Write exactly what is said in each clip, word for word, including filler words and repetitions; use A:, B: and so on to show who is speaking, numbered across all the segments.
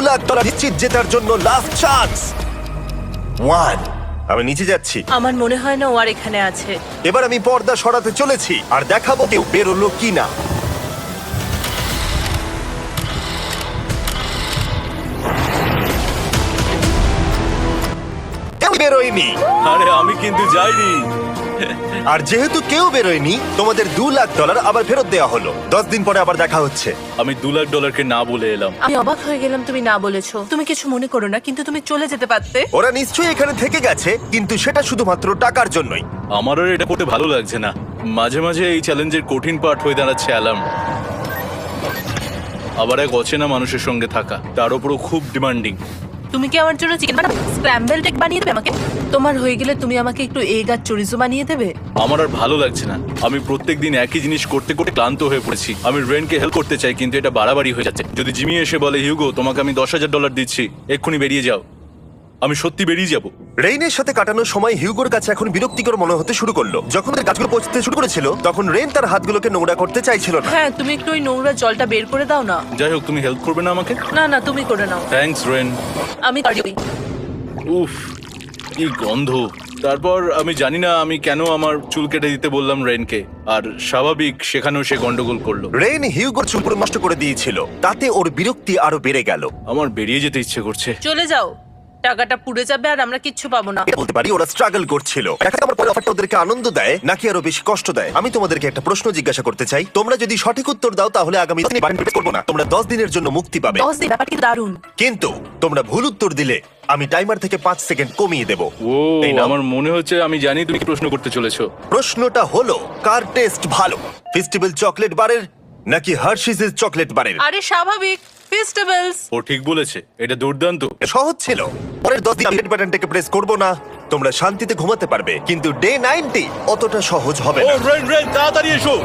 A: Lakh dollar নিশ্চিত জেতার জন্য লাস্ট চান্স। ওয়ান। আমি নিচে যাচ্ছি।
B: আমার মনে হয় না ও আর এখানে আছে।
A: এবার আমি পর্দা সরাতে চলেছি আর দেখাবো কেউ বেরোলো কিনা। কেউ বেরোয়নি।
C: আরে আমি কিন্তু যাইনি।
A: আর যেহেতু কেউ বেরোয়নি, তোমাদের দু লাখ ডলার আবার ফেরত দেওয়া হলো। দশ দিন পরে আবার দেখা হচ্ছে।
C: আমি দু লাখ ডলারকে না বলে এলাম।
B: আমি অবাক হয়ে গেলাম তুমি না বলেছো। তুমি কিছু মনে করো না, কিন্তু তুমি চলে যেতে পারতে।
A: ওরা নিশ্চয়ই এখানে থেকে গেছে, কিন্তু সেটা শুধুমাত্র টাকার জন্যই।
C: আমারও এটা করতে ভালো লাগছে না। মাঝে মাঝে এই চ্যালেঞ্জের কঠিন পার্ট হয়ে দাঁড়াচ্ছে অ্যালার্ম। আবার এক অচেনা মানুষের সঙ্গে থাকা, তার উপরও খুব ডিমান্ডিং।
B: তুমি কি আমার জন্য চিকেন বানাবে? স্ক্র্যাম্বল এগ বানিয়ে দেবে আমাকে? তোমার হয়ে গেলে তুমি আমাকে একটু এগ আর চরিজো বানিয়ে দেবে?
C: আমার আর ভালো লাগছে না। আমি প্রত্যেকদিন একই জিনিস করতে করতে ক্লান্ত হয়ে পড়েছি। আমি রেনকে হেল্প করতে চাই, কিন্তু এটা বাড়াবাড়ি হয়ে যাচ্ছে। যদি জিমি এসে বলে, হিউগো তোমাকে আমি দশ হাজার ডলার দিচ্ছি, এক্ষুনি বেরিয়ে যাও, আমি সত্যি বেরিয়ে যাব।
A: রেইনের সাথে কাটানোর সময় হিউগোর কাছে এখন বিরক্তিকর মনে হতে শুরু করলো। যখন ওদের গাছগুলো পৌঁছতে শুরু করেছিল, তখন রেইন তার হাতগুলোকে নোংরা করতে চাইছিল না।
B: হ্যাঁ, তুমি একটু ওই নোংরা জলটা বের করে দাও না।
C: যাই হোক, তুমি হেল্প করবে না আমাকে?
B: না না, তুমি করে নাও।
C: Thanks rain.
B: আমি পারি।
C: উফ, কি গন্ধ। তারপর আমি জানি না আমি কেন আমার চুল কেটে দিতে বললাম রেনকে, আর স্বাভাবিক সেখানেও সে গন্ডগোল করলো।
A: রেইন হিউগোর চুল পুরো নষ্ট করে দিয়েছিল, তাতে ওর বিরক্তি আরো বেড়ে গেল।
C: আমার বেরিয়ে যেতে ইচ্ছে করছে।
B: চলে যাও, টাকাটা পুড়ে যাবে আর আমরা কিচ্ছু পাবো না।
A: বলতে পারি ওরা স্ট্রাগল করছিল। দেখা যাক আমার পরে অফারটা ওদেরকে আনন্দ দেয় নাকি আরো বেশি কষ্ট দেয়। আমি তোমাদেরকে একটা প্রশ্ন জিজ্ঞাসা করতে চাই। তোমরা যদি সঠিক উত্তর দাও, তাহলে আগামী দিনে বাড়ি ফিরে করবো না। তোমরা দশ দিনের জন্য মুক্তি পাবে।
B: দশ দিন, ব্যাপারটা কিন্তু দারুণ।
A: কিন্তু তোমরা ভুল উত্তর দিলে আমি টাইমার থেকে পাঁচ সেকেন্ড কমিয়ে দেবো।
C: ও,
A: এই নাও।
C: আমার মনে হচ্ছে আমি জানি তুমি কি প্রশ্ন করতে চলেছো।
A: প্রশ্নটা হলো, কার টেস্ট ভালো, ফেস্টিভ্যাল চকলেট বারের নাকি হার্শিসের চকলেট বারের?
B: আরে স্বাভাবিক, ফেস্টিভ্যালস।
C: ও ঠিক বলেছে, এটা দুর্দান্ত।
A: সহজ ছিল। পরের দশ দিন আমি রেড বাটনটাকে প্রেস করব না, তোমরা শান্তিতে ঘুমাতে পারবে। কিন্তু ডে নাইনটি অতটা সহজ হবে
C: ও
A: না।
C: রেন রেন তাড়াতাড়ি এসো।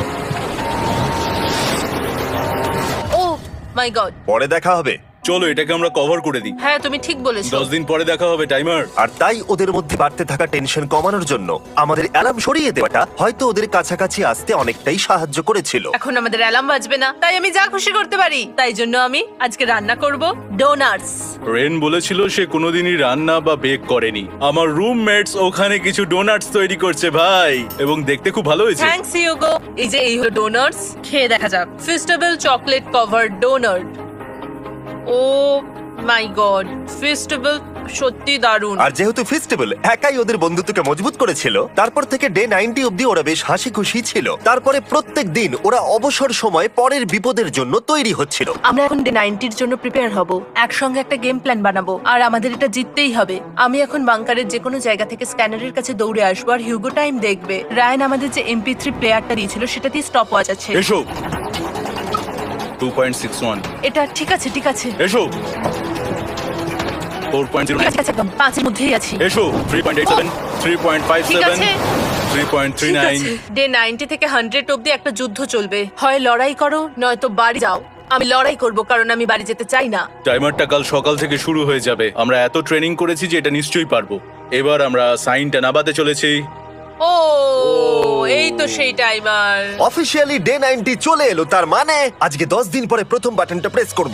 B: Oh my god.
A: পরে দেখা হবে।
C: চলো এটাকে আমরা কভার করে দিই।
B: হ্যাঁ, তুমি ঠিক বলেছো।
C: দশ দিন পরে দেখা হবে টাইমার।
A: আর তাই ওদের মধ্যে বাড়তে থাকা টেনশন কমানোর জন্য আমাদের অ্যালার্ম সরিয়ে দেওয়াটা হয়তো ওদের কাছাকাছি আসতে অনেকটাই সাহায্য করেছিল।
B: এখন আমাদের অ্যালার্ম বাজবে না, তাই আমি যা খুশি করতে পারি। তাই জন্য আমি আজকে রান্না করব ডোনাটস।
C: রেন বলেছিল সে কোনোদিনই রান্না বা বেক করেনি। আমার রুমমেটস ওখানে কিছু ডোনাটস তৈরি করছে ভাই, এবং দেখতে খুব ভালো হয়েছে।
B: Thanks Hugo. এই যে এই হলো ডোনাটস, খেয়ে দেখা যাক। Festival chocolate covered donut. Oh my god, festival সত্যি দারুণ।
A: আর যেহেতু ফেস্টিভ্যাল একাই ওদের বন্ধুত্বকে মজবুত করেছিল, তারপর থেকে ডে নাইনটি অব্দি ওরা বেশ হাসি খুশি ছিল। তারপরে প্রত্যেক দিন ওরা অবসর সময় পরের বিপদের জন্য তৈরি হচ্ছিল।
B: আমরা এখন ডে নাইনটির জন্য প্রিপেয়ার হব, একসঙ্গে একটা গেম প্ল্যান বানাবো, আর আমাদের এটা জিততেই হবে। আমি এখন বাংকারের যে কোনো জায়গা থেকে স্ক্যানারের কাছে দৌড়ে আসবো, আর হিউগো টাইম দেখবে। রায়ান আমাদের যে এমপি থ্রি প্লেয়ারটা দিয়েছিল সেটা দিয়ে স্টপ ওয়াচ আছে।
C: এসো। Two point six one.
B: এটা ঠিক আছে, ঠিক আছে।
C: এসো। Four point zero.
B: ঠিক আছে, একদম পাঁচের মধ্যেই আছি।
C: এসো। Three point eight seven, three point five
B: ঠিক
C: সেভেন,
B: আছে।
C: Three point three nine.
B: Day ninety থেকে হান্ড্রেড অব্দি একটা যুদ্ধ চলবে। হয় লড়াই করো, নয়তো বাড়ি যাও। আমি লড়াই করব, কারণ আমি বাড়ি যেতে চাই না।
C: টাইমারটা কাল সকাল থেকে শুরু হয়ে যাবে। আমরা এত ট্রেনিং করেছি যে এটা নিশ্চয়ই পারবো। এবার আমরা সাইনটা নাবাতে চলেছি।
B: ও, এই তো সেই টাইমার।
A: অফিসিয়ালি ডে নাইনটি চলে এলো, তার মানে আজকে দশ দিন পরে প্রথম বাটনটা প্রেস করব।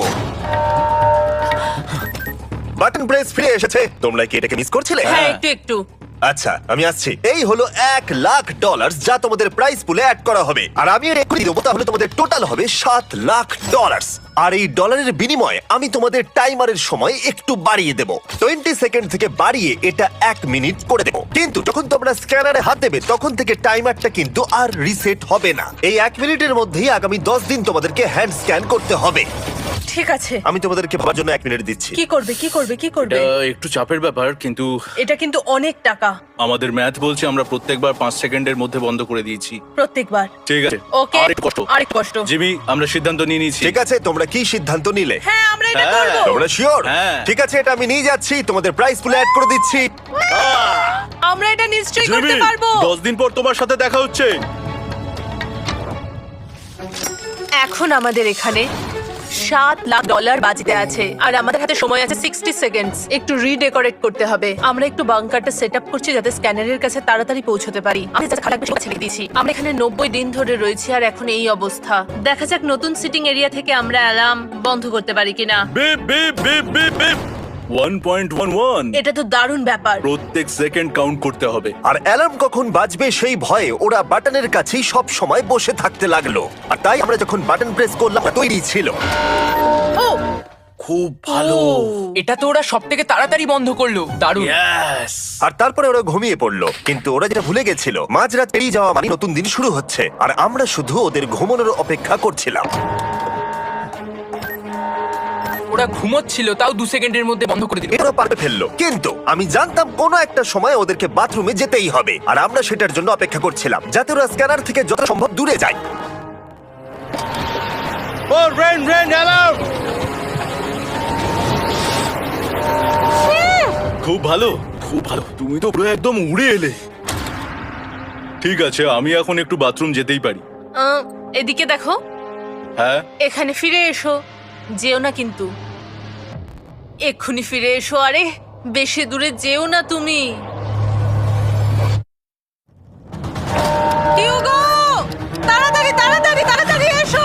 A: বাটন প্রেস ফিরে এসেছে। তোমরা কি এটাকে মিস করছিলে?
B: হ্যাঁ, একটু একটু।
A: আচ্ছা, আমি আসছি। এই হলো এক লাখ ডলার যা তোমাদের প্রাইস পুলে অ্যাড করা হবে, আর আমি এর এক্ষুনি দেবো। তাহলে তোমাদের টোটাল হবে সাত লাখ ডলার। আর এই ডলারের বিনিময়ে আমি তোমাদের টাইমারের সময় একটু বাড়িয়ে দেবো। টোয়েন্টি সেকেন্ড থেকে বাড়িয়ে এটা এক মিনিট করে দেবো। কিন্তু যখন তোমরা স্ক্যানারে হাত দেবে, তখন থেকে টাইমারটা কিন্তু আর রিসেট হবে না। এই এক মিনিটের মধ্যেই আগামী দশ দিন তোমাদেরকে হ্যান্ড স্ক্যান করতে হবে।
B: ঠিক আছে।
A: আমি তোমাদেরকে ভাবার জন্য এক মিনিট দিচ্ছি।
B: কি করবে, কি করবে, কি করবে?
C: এটা একটু চাপের ব্যাপার, কিন্তু
B: এটা কিন্তু অনেক টাকা।
C: আমাদের ম্যাথ বলছে আমরা প্রত্যেকবার পাঁচ সেকেন্ডের মধ্যে বন্ধ করে দিয়েছি।
B: প্রত্যেকবার।
C: ঠিক আছে।
B: ওকে,
C: আরেকটু কষ্ট।
B: আরেক কষ্ট।
C: জিমি, আমরা সিদ্ধান্ত নিয়ে নিয়েছি।
A: ঠিক আছে, তোমরা কি সিদ্ধান্ত নিলে?
B: হ্যাঁ, আমরা এটা
C: হ্যাঁ।
B: করব।
A: তোমরা শিওর?
C: হ্যাঁ।
A: ঠিক আছে, এটা আমি নিয়ে যাচ্ছি, তোমাদের প্রাইস পুলে অ্যাড করে দিচ্ছি।
B: আমরা এটা নিশ্চয়ই করতে
C: জিমি,
B: পারবো।
C: দশ দিন পর তোমার সাথে দেখা হচ্ছে।
B: এখন আমাদের এখানে সাত লাখ ডলার বাজিতে আছে আর আমাদের হাতে সময় আছে সিক্সটি সেকেন্ডস। একটু রিডেকোরেট করতে হবে। আমরা একটু বাংকারটা সেট আপ করছি যাতে স্ক্যানারের কাছে তাড়াতাড়ি পৌঁছতে পারি। আমি যাতে খারাপ বেশি ছেড়ে দিয়েছি। আমরা এখানে নব্বই দিন ধরে রয়েছি আর এখন এই অবস্থা। দেখা যাক নতুন সিটিং এরিয়া থেকে আমরা অ্যালার্ম বন্ধ করতে পারি কিনা।
C: Beep beep beep beep beep one point one one.
B: এটা তো দারুণ ব্যাপার।
C: প্রত্যেক সেকেন্ড কাউন্ট করতে হবে।
A: আর অ্যালার্ম কখন বাজবে সেই ভয়ে ওরা বাটনের কাছেই সব সময় বসে থাকতে লাগলো। আর তাই আমরা যখন বাটন প্রেস করলাম তৈরি ছিল।
B: ও
C: খুব ভালো।
D: এটা তো ওরা সব থেকে তাড়াতাড়ি বন্ধ করলো। দারুণ।
C: ইয়েস।
A: আর তারপরে ওরা ঘুমিয়ে পড়লো। কিন্তু ওরা যেটা ভুলে গেছিল, মাঝরাত পেরিয়ে যাওয়া মানে নতুন দিন শুরু হচ্ছে। আর আমরা শুধু ওদের ঘুমানোর অপেক্ষা করছিলাম।
D: ওরা ঘুমোচ্ছিল, তাও দু সেকেন্ডের মধ্যে বন্ধ করে দিল।
A: এরা পারবে ফেললো। কিন্তু আমি জানতাম কোনো একটা সময় ওদেরকে বাথরুমে যেতেই হবে। আর আমরা সেটার জন্য অপেক্ষা করছিলাম, যাতে ওরা স্ক্যানার থেকে যত সম্ভব দূরে যায়।
C: ও রেন রেন অ্যালার্ম। খুব ভালো, খুব ভালো। তুমি তো পুরো একদম উড়ে এলে। ঠিক আছে, আমি এখন একটু বাথরুম যেতেই পারি।
B: আহ, এদিকে দেখো,
C: হ্যাঁ,
B: এখানে ফিরে এসো। যেও না কিন্তু, এক্ষুনি ফিরে এসো। আরে বেশি দূরে যেও না তুমি। হিউগো, তাড়াতাড়ি তাড়াতাড়ি তাড়াতাড়ি এসো।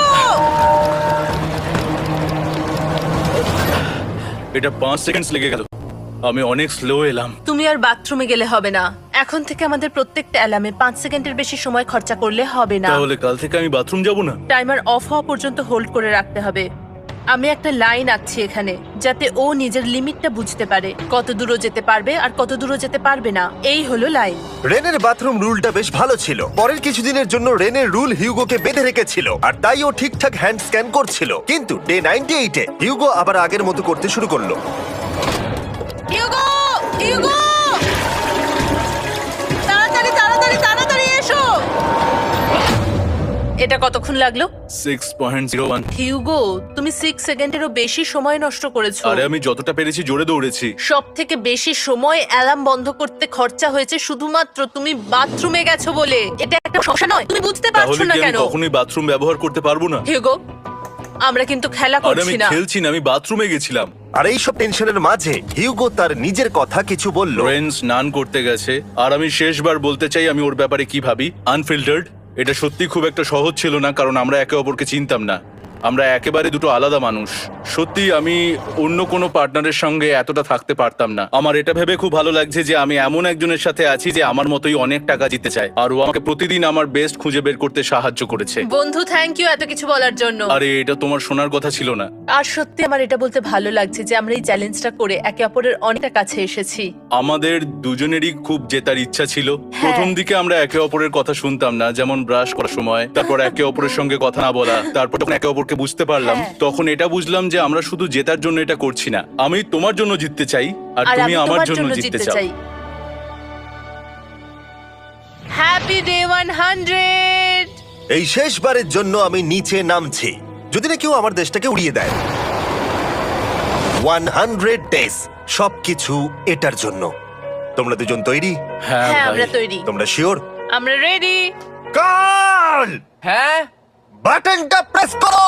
C: এটা পাঁচ সেকেন্ড লেগে গেল। আমি অনেক স্লো এলাম।
B: তুমি আর বাথরুমে গেলে হবে না। এখন থেকে আমাদের প্রত্যেকটা অ্যালার্মে পাঁচ সেকেন্ডের বেশি সময় খরচা করলে হবে না।
C: তাহলে কাল থেকে আমি বাথরুম যাব না?
B: টাইমার অফ হওয়া পর্যন্ত হোল্ড করে রাখতে হবে। আমি একটা লাইন আঁকছি এখানে, যাতে ও নিজের লিমিটটা বুঝতে পারে, কত দূরও যেতে পারবে আর কত দূরও যেতে পারবে না। এই হলো লাইন।
A: রেনের বাথরুম রুলটা বেশ ভালো ছিল। পরের কিছুদিনের জন্য রেনের রুল হিউগোকে বেঁধে রেখেছিল, আর তাই ও ঠিকঠাক হ্যান্ড স্ক্যান করছিল। কিন্তু ডে নাইনটি এইটে হিউগো আবার আগের মতো করতে শুরু করলো।
B: হিউগো, হিউগো, তাড়াতাড়ি তাড়াতাড়ি তাড়াতাড়ি এসো। এটা কতক্ষণ লাগলো?
C: Six point zero one.
B: Hugo, তুমি সিক্স সেকেন্ডেরও বেশি সময় নষ্ট করেছো।
C: আরে আমি যতটা পেরেছি জোরে দৌড়েছি।
B: সব থেকে বেশি সময় অ্যালার্ম বন্ধ করতে খরচা হয়েছে শুধুমাত্র তুমি বাথরুমে গেছো বলে। এটা একটা সমস্যা নয়, তুমি বুঝতে পারছো
C: তাহলে
B: না
C: কি আমি
B: কেন?
C: কখনোই বাথরুম ব্যবহার করতে পারবো না?
B: হিউগো, আমরা কিন্তু খেলা
C: আরে আমি
B: করছি না।
C: খেলছি না, আমি বাথরুমে গেছিলাম।
A: আর এইসব টেনশনের মাঝে হিউগো তার নিজের কথা কিছু বলল।
C: রেন স্নান করতে গেছে, আর আমি শেষবার বলতে চাই আমি ওর ব্যাপারে কি ভাবি। আনফিল্টার্ড। এটা সত্যি খুব একটা সহজ ছিল না, কারণ আমরা একে অপরকে চিনতাম না। আমরা একেবারে দুটো আলাদা মানুষ। সত্যি আমি অন্য কোনো পার্টনারের সঙ্গে এতটা থাকতে পারতাম না। আমার এটা ভেবে খুব ভালো লাগছে যে আমি এমন একজনের সাথে আছি যে আমার মতোই অনেক টাকা জিতে চায়, আর ও আমাকে প্রতিদিন আমার বেস্ট খুঁজে বের করতে সাহায্য করেছে।
B: বন্ধু, থ্যাংক ইউ এত কিছু বলার জন্য।
C: আরে এটা তোমার শোনার কথা ছিল না।
B: আর সত্যি আমার এটা বলতে ভালো লাগছে যে আমরা এই চ্যালেঞ্জটা করে একে অপরের অনেকটা কাছে এসেছি।
C: আমাদের দুজনেরই খুব জেতার ইচ্ছা ছিল। প্রথম দিকে আমরা একে অপরের কথা শুনতাম না, যেমন ব্রাশ করার সময়, তারপর একে অপরের সঙ্গে কথা না বলা, তারপর যখন একে অপরকে বুঝতে পারলাম,
B: হ্যাঁ।
C: তখন এটা বুঝলাম যে আমরা শুধু জেতার জন্য এটা করছি না। আমি তোমার জন্য জিততে চাই, আর
B: আর
C: তুমি
B: আমি
C: আমার
B: তোমার
C: জন্য
B: জন্য
C: জিততে
B: জিততে
C: চাও।
B: চাই। Happy day one hundred.
A: এই শেষবারের জন্য আমি নিচে নামছি, যদি না কেউ আমার দেশটাকে উড়িয়ে দেয়। ওয়ান হান্ড্রেড ডেজ, সবকিছু এটার জন্য। তোমরা দুজন তৈরি?
C: হ্যাঁ
B: হ্যাঁ,
C: ভাই।
B: আমরা তৈরি।
A: তোমরা শিওর?
B: আমরা রেডি।
A: কাল
D: হ্যাঁ,
A: বাটনটা প্রেস করো।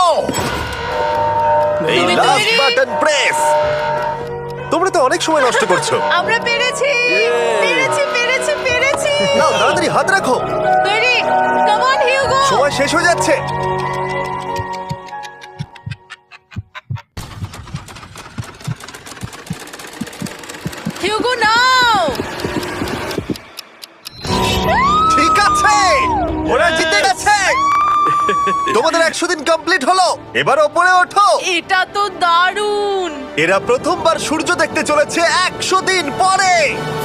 A: এই
B: তুমি
A: লাস্ট
B: তৈরি?
A: Button press. তোমরা তো অনেক সময় নষ্ট করছো।
B: আমরা পেরেছি পেরেছি পেরেছি পেরেছি।
A: নাও তাড়াতাড়ি হাত রাখো,
B: তৈরি? Come on Hugo.
A: সময় শেষ হয়ে যাচ্ছে।
B: হিউগো নাও।
A: ঠিক আছে, ওরা জিতে গেছে। তোমাদের একশো দিন কমপ্লিট হলো, এবার ওপরে ওঠো।
B: এটা তো দারুণ।
A: এরা প্রথমবার সূর্য দেখতে চলেছে একশো দিন পরে।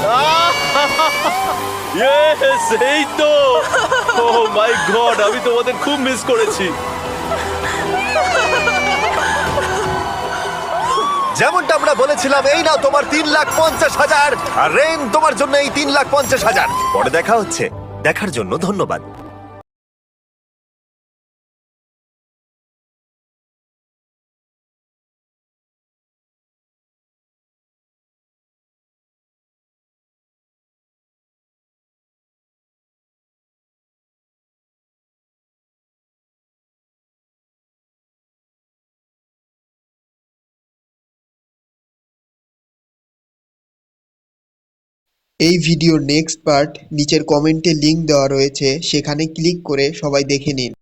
C: Yes, এই তো। Oh my God, আমি তোমাদের খুব মিস করেছি।
A: যেমনটা আমরা বলেছিলাম, এই নাও তোমার তিন লাখ পঞ্চাশ হাজার, আর রেন তোমার জন্য এই তিন লাখ পঞ্চাশ হাজার। পরে দেখা হচ্ছে, দেখার জন্য ধন্যবাদ।
E: এই ভিডিওর নেক্সট পার্ট নিচের কমেন্টে লিংক দেওয়া রয়েছে, সেখানে ক্লিক করে সবাই দেখে নিন।